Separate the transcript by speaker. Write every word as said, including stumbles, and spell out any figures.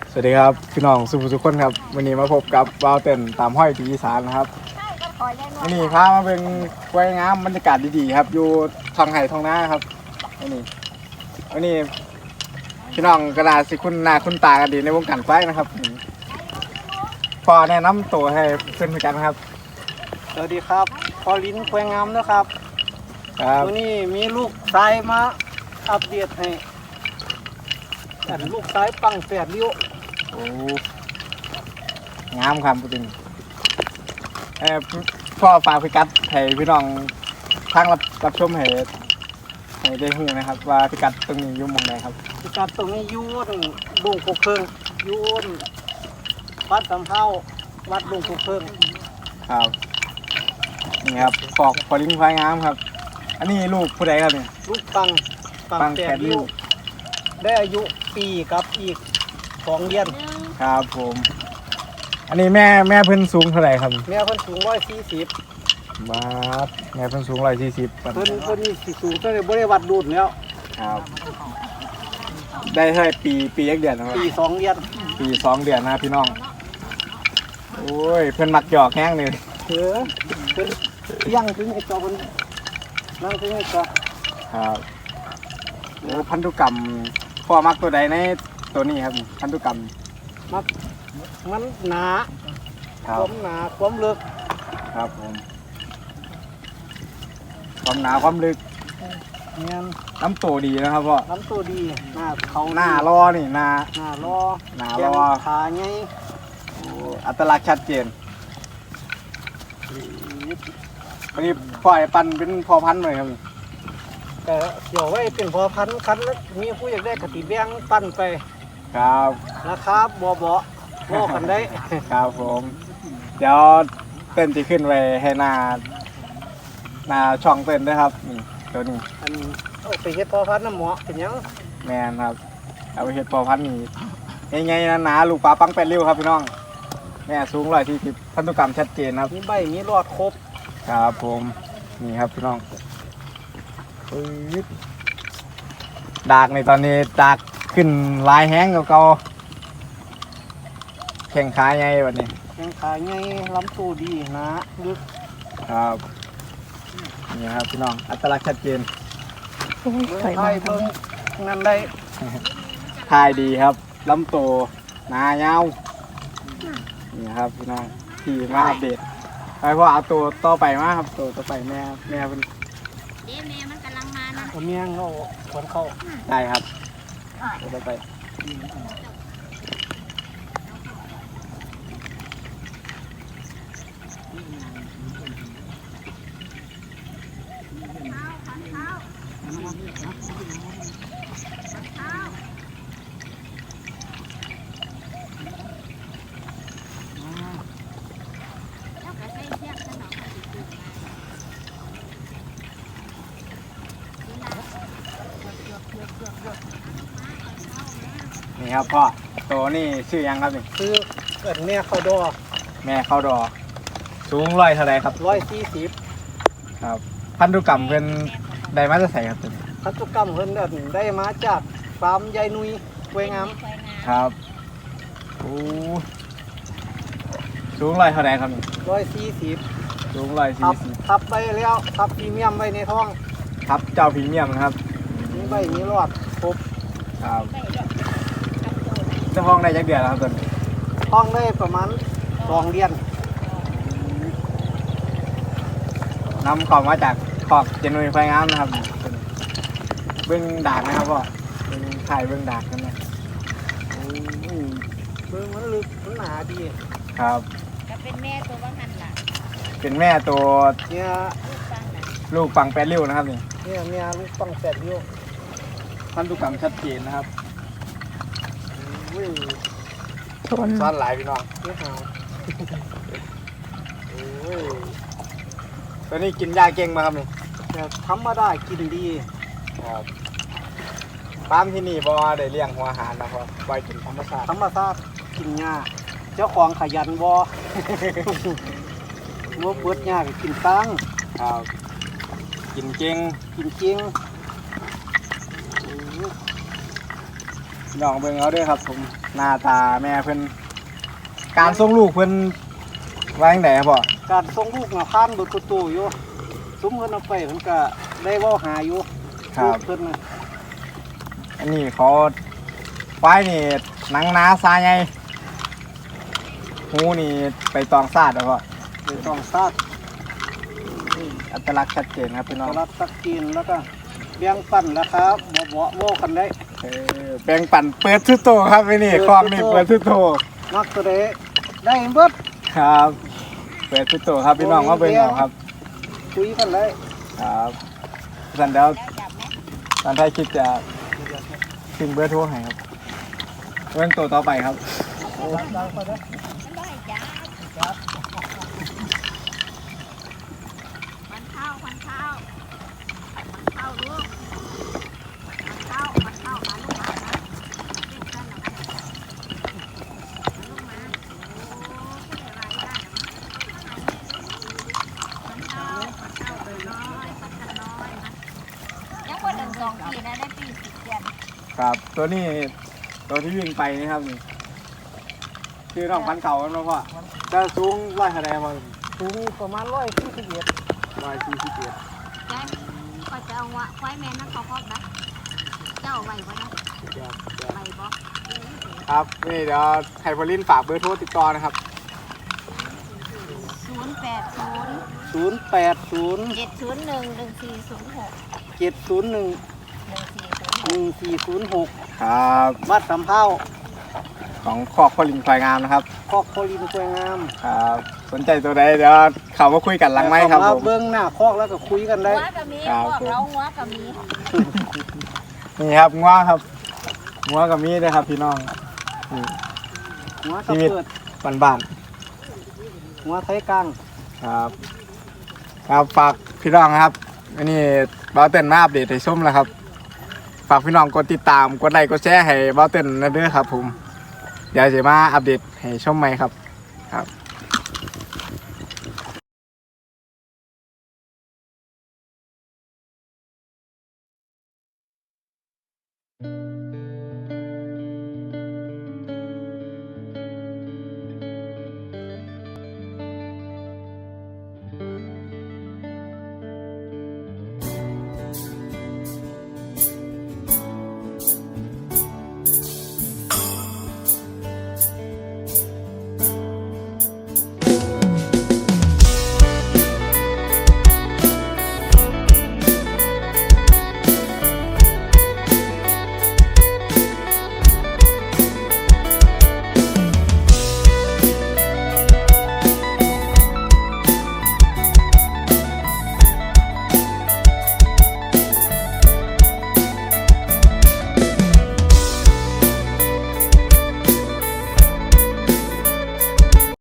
Speaker 1: สวัสดีครับพี่น้องสุภุทุกคนครับวันนี้มาพบกับวาวเต้นตามห้อยปีอีสานนะครับวันนี้พามาเป็นกล้วยงามบรรยากาศดีๆครับอยู่ทางไห่ทองนาครับวันนี้วันนี้พี่น้องกระดาษสิคุณหน้าคุณตากันดีในวงการควายนะครับพอแนะนำตัวให้เพื่อนๆกันครับ
Speaker 2: สวัสดีครับพอลิ้นแควงงามนะครับ
Speaker 1: ครับ
Speaker 2: วันนี้มีลูกสายมาอัปเดตให้แต่ลูกสายปังแปดริ้ว
Speaker 1: โอ้งามครับจริงเออพ่อฝากพิกัดให้พี่น้องทางรับรับชมให้ให้ได้หูนะครับว่าพิกัดตรงนี้อยู่หมองใดครับ
Speaker 2: พิกัดตรงนี้อยูนดุงกุกเพิงอยูนวัดสำเภาวัดดุงกุกเพิง
Speaker 1: ครับนี่ครับปอกพอลิงควายงามครับ อันนี้ลูกผู้ใดครับเนี่ย
Speaker 2: ลูกปัง
Speaker 1: ปังแปดริ้ว
Speaker 2: ได้อายุปีกับอีกสองเดือน
Speaker 1: ครับผม อันนี้แม่แม่เพิ่นสูงเท่าไหร่ครับ
Speaker 2: แม่เพิ่นสูงร้อยสี่สิบ
Speaker 1: บาทแม่เพิ่นสูงร้อยสี่สิบ
Speaker 2: เพิ่นเพิ่นนี่สิสูงตั้งแต่บริวัดดูดแล้ว
Speaker 1: ครับ ได้เท่าไหร่ปีปียักเดือนนะครับ
Speaker 2: ปีสองเดือน
Speaker 1: ปีสองเดือนนะครับพี่น้องโอ้ยเพิ่นมักหยอกแห้งเลย
Speaker 2: เออเพิ่นเที่ยงถึงไอ้จอเพิ่นนั่งถึงไอ้จอ
Speaker 1: ครับโอ้พันธุกรรมพ่อมักตัวใดในตัวนี้ครับพันธุกรรม
Speaker 2: มักมันหนา
Speaker 1: ค
Speaker 2: ครับ วามหนาความลึก
Speaker 1: ครับผมความหนาความลึก
Speaker 2: เงี้ย
Speaker 1: น้ำตัวดีนะครับพ่อ
Speaker 2: น้ำตัวดีหน้าเขา
Speaker 1: หน้ารอนี่หน้า
Speaker 2: หน้ารอ
Speaker 1: หน้า
Speaker 2: แก
Speaker 1: ร
Speaker 2: ง
Speaker 1: อ
Speaker 2: ขาไง
Speaker 1: โอ้อัตลักษณ์ชัดเจนวันนี้พ่อไอ้ปันเป็นพ่อพันธุ์เลยครับ
Speaker 2: แต่เดี๋ยวไว้เป็นพอพันคันแล้วมีผู้อยากได้กติแบงปั้นไป
Speaker 1: ครับ
Speaker 2: นะครับบ่บ่บ่กันได้
Speaker 1: ครับผม เดี๋ยวเต้นจะขึ้นไปให้หน้าหน้าช่องเต้นด้วยครับนี่ตัวนี้
Speaker 2: อันเอาไปเฮ็ดพอพันน้ำหมอเป็นหยัง
Speaker 1: แมนครับเอาไปเห็ดพ่อพันธุ์นี่ง่ายๆนะหนาลูกปลาปังแปดริ้วครับพี่น้องแม่สูงร้อยที่สิบพันธุกรรมชัดเจนครับ
Speaker 2: มีใบมีรอดครบ
Speaker 1: ครับผมนี่ครับพี่น้องปึ๊ดดากในตอนนี้ดากขึ้นลายแห้งเก่าๆแข่งขาไงวันนี้
Speaker 2: แกงขาไงลำตัวดีหนาลึก
Speaker 1: ครับนี่ครับพี่น้องอัตลักษณ์ชัดเจน
Speaker 2: เบิ่งไทยเบิ่งนั่นได้
Speaker 1: ทายดีครับลำโตหนายาวนี่ครับพี่น้องที่มาอัปเดตไปพ่อเอาตัวต่อไปมาครับตัวต่อไปแม่แม่เป็น
Speaker 3: เด้แม่มันกำลังมานะ
Speaker 2: เอาเมียงเอาขวนเข้า
Speaker 1: ได้ครับตัวต่อไปนี่ครับพ่อตัวนี่ชื่อยังครับนี่
Speaker 2: ซื้อเกิดแม่เข้าดอ
Speaker 1: แม่เข้าดอสูงร้อยเท่าไรครับ
Speaker 2: ร้อยสี่สิบ
Speaker 1: ครับ พันธุกรรมเป็นไดมาจะใส่ครับตัวนี้
Speaker 2: พันธุกรรมเพิ่นได้ได้มาจากฟาร์มยายนุยกวยงาม
Speaker 3: สวยงาม
Speaker 1: ครับโอ้สูงร้อยเท่าไรครับนี่
Speaker 2: ร้อยสี่สิบ
Speaker 1: สูงร้อย
Speaker 2: ทั
Speaker 1: สี่
Speaker 2: บ
Speaker 1: สิบ
Speaker 2: ทับไปแล้วทับพรีเมียมไว้ในท้อง
Speaker 1: ครับเจ้าพรีเมียมนะครับ
Speaker 2: มีใบมีรอดครบ
Speaker 1: ครับ
Speaker 3: ไม่ดอกกระโดด
Speaker 1: เจ้าห้องได้จักเดือนแล้วครับตัวนี้
Speaker 2: ท้องได้ประมาณสองเดือน
Speaker 1: นำของมาจากขอบเจนุยไฟงามนะครับเบื้องดากนะครับพ่อเบื้องถ่ายเบื้องดากนั่นแหละโอ้ย
Speaker 2: เบิ่งมันลึกมันหนาดี
Speaker 1: ครับ
Speaker 3: ก็เป็นแม่ตัวบางหันล่ะ
Speaker 1: เป็นแม่ตัว
Speaker 2: เนี่ย
Speaker 3: ลูกฟังน่ะ
Speaker 1: ลูกปังแปดริ้วนะครับนี่
Speaker 2: เนี่ยเนี่ยลูกปังแปดริ้ว
Speaker 1: พันธุกรรมชัดเจนนะครับ
Speaker 2: อุ้ย
Speaker 1: ซ่อนหลายพี่น้อง
Speaker 2: เนี่ยหาวโอ้ย
Speaker 1: ตัวนี้กินยาเก่งมาครับนี่
Speaker 2: แต่ธรรมดากินดี
Speaker 1: ครับฟาร์มที่นี่บ่ได้เลี้ยงหัวอาหารนะครับปล่อยกินธรรมชาติ
Speaker 2: ธรรมชาติกินหญ้าเจ้าของขยันบ่ มัวเปิดหญ้าก็กินตัง
Speaker 1: ครับกินเก่ง
Speaker 2: กินจริง
Speaker 1: กินน้องเบิ่งเอาเด้วยครับ ผมหน้าตาแม่เพิ่นการส่งลูกเพิ่นว่าจังไดครับพ่อ
Speaker 2: การส่งลูกน่ะผ่านเบิดประตูอยู่สมเพิ่นเอาไปเพิ่นก็ได้เว้าหาอยู่
Speaker 1: ครับ
Speaker 2: ลูกเพิ่นน่ะ
Speaker 1: อันนี้เขาควายนี่หนังหนาซาใหญ่หูนี่ไปตองซาดแล้วก็
Speaker 2: ได้ต้องซาด
Speaker 1: อัตลักษณ์ชัดเจนครับพี่น้อง
Speaker 2: ตลาดตักกินแล้วก็เลี้ยงปั่นแล้วครับบ่บ่โว้กันได้
Speaker 1: เออแบ่งปันเปิดทุกโตครับไอ้นี่
Speaker 2: เปิด
Speaker 1: คลองนี่
Speaker 2: ทุกโต
Speaker 1: เปิดทุกโต
Speaker 2: มักตัวใดได้เบิด
Speaker 1: ครับเปิดทุกโตครับพี่น้องว่าเบิ่งเอาครับ
Speaker 2: คุยกันได้
Speaker 1: ครับสันเดี๋ยว
Speaker 3: แล้วจับไหม
Speaker 1: ตอนท้ายคลิปจะทิ้งเบอร์โทรให้ครับเรื่องตัวต่อไปครับ
Speaker 2: ดังดังไปได้
Speaker 3: มันได้จ้ามันเข้ามันเข้ามันเข้าลูกมันเข้ามันเข้ามาลูกมานะเด็กกันเหรอมันลูกมาโอ้ผู้ใหญ่ไรได้เหรอมันเข้ามันเข้าไปน้อยมันกันน้อยมันยังคนหนึ่งสองปีนะได้ปีสิบเดือน
Speaker 1: ครับตัวนี้ตัวที่วิ่งไปนี่ครับนี่คือน้องพันเก่าครับเนาะพ่อจะสูงร้อยเท่าไหร่พ่อ
Speaker 2: สูงประมาณร้อยสี่สิบเอ็ด
Speaker 1: ร้อยสี่สิบเอ็ด
Speaker 3: แจ้งก็จะเอาวะควายแม่นั่นเขาครอบนะเจ้าไหวบ่นะไหวบ่
Speaker 1: ครับนี่เดี๋ยวไฮพอลินฝากเบอร์โทรติดต่อนะครับ
Speaker 3: ศูนย์แปดศูนย์
Speaker 2: ศูนย์แปดศูนย์
Speaker 3: เจ็ดศูนย์หนึ่งหนึ่งสี่ศูนย์หก
Speaker 2: เจ็ดศูนย์หนึ่ง
Speaker 3: หนึ่งสี่ศูนย์
Speaker 2: ห
Speaker 3: ห
Speaker 2: นึ่
Speaker 3: ก
Speaker 2: งสี่ศูนย์หก
Speaker 1: ครับ
Speaker 2: วัดสำเภา
Speaker 1: ของคอกพอลินควายงามนะครับ
Speaker 2: คอกโคลินสวยงาม
Speaker 1: ครับสนใจตัวใดเดี๋ยวเขามาคุยกันหลังไม้ครับ
Speaker 2: เข้า
Speaker 1: ผม
Speaker 2: เบิ้งหน้าคอกแล้วก็คุยกันได้
Speaker 3: หัวก็มีพวกเราหัวก็มี
Speaker 1: นี่ครับง้วครับง้วกับมีด้วยครับพี่น้องนี่
Speaker 2: หัวกระเปิด
Speaker 1: บ้านบ้าน
Speaker 2: หัวไทยกลาง
Speaker 1: ๆครับครับฝากพี่น้องครับอันนี้เบาเต้นมาอัปเดตให้ชมแล้วครับฝากพี่น้องกดติดตามกดไลค์กดแชร์ให้เบาเต้นนะเด้อครับผมเดี๋ยวจะมาอัปเดตให้ชมใหม่ครับครับ